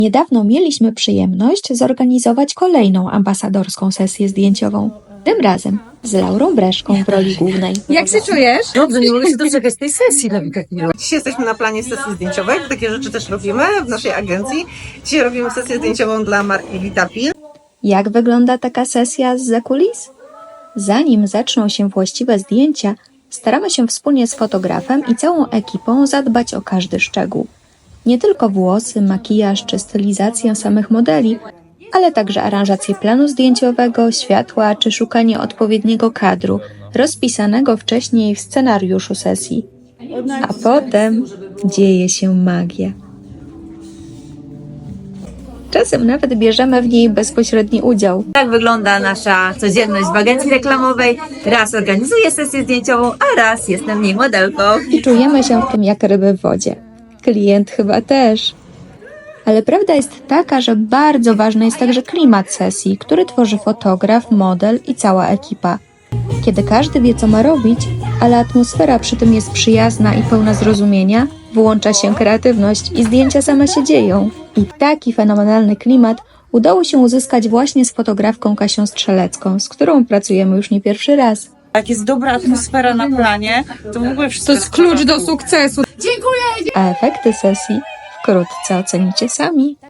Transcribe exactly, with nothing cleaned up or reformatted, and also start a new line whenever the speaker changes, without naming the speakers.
Niedawno mieliśmy przyjemność zorganizować kolejną ambasadorską sesję zdjęciową. Tym razem z Laurą Breszką w roli głównej.
Jak się czujesz?
Dobrze, nie mogę się doczekać tej sesji dla mnie takiej.
Dzisiaj jesteśmy na planie sesji zdjęciowej, takie rzeczy też robimy w naszej agencji. Dzisiaj robimy sesję zdjęciową dla marki Vitapil.
Jak wygląda taka sesja zza kulis? Zanim zaczną się właściwe zdjęcia, staramy się wspólnie z fotografem i całą ekipą zadbać o każdy szczegół. Nie tylko włosy, makijaż czy stylizację samych modeli, ale także aranżację planu zdjęciowego, światła czy szukanie odpowiedniego kadru, rozpisanego wcześniej w scenariuszu sesji. A potem dzieje się magia. Czasem nawet bierzemy w niej bezpośredni udział.
Tak wygląda nasza codzienność w agencji reklamowej. Raz organizuję sesję zdjęciową, a raz jestem w niej modelką.
Czujemy się w tym jak ryby w wodzie. Klient chyba też. Ale prawda jest taka, że bardzo ważny jest także klimat sesji, który tworzy fotograf, model i cała ekipa. Kiedy każdy wie, co ma robić, ale atmosfera przy tym jest przyjazna i pełna zrozumienia, włącza się kreatywność i zdjęcia same się dzieją. I taki fenomenalny klimat udało się uzyskać właśnie z fotografką Kasią Strzelecką, z którą pracujemy już nie pierwszy raz.
Jak jest dobra atmosfera na planie, to w ogóle wszystko jest klucz do sukcesu.
A efekty sesji wkrótce ocenicie sami.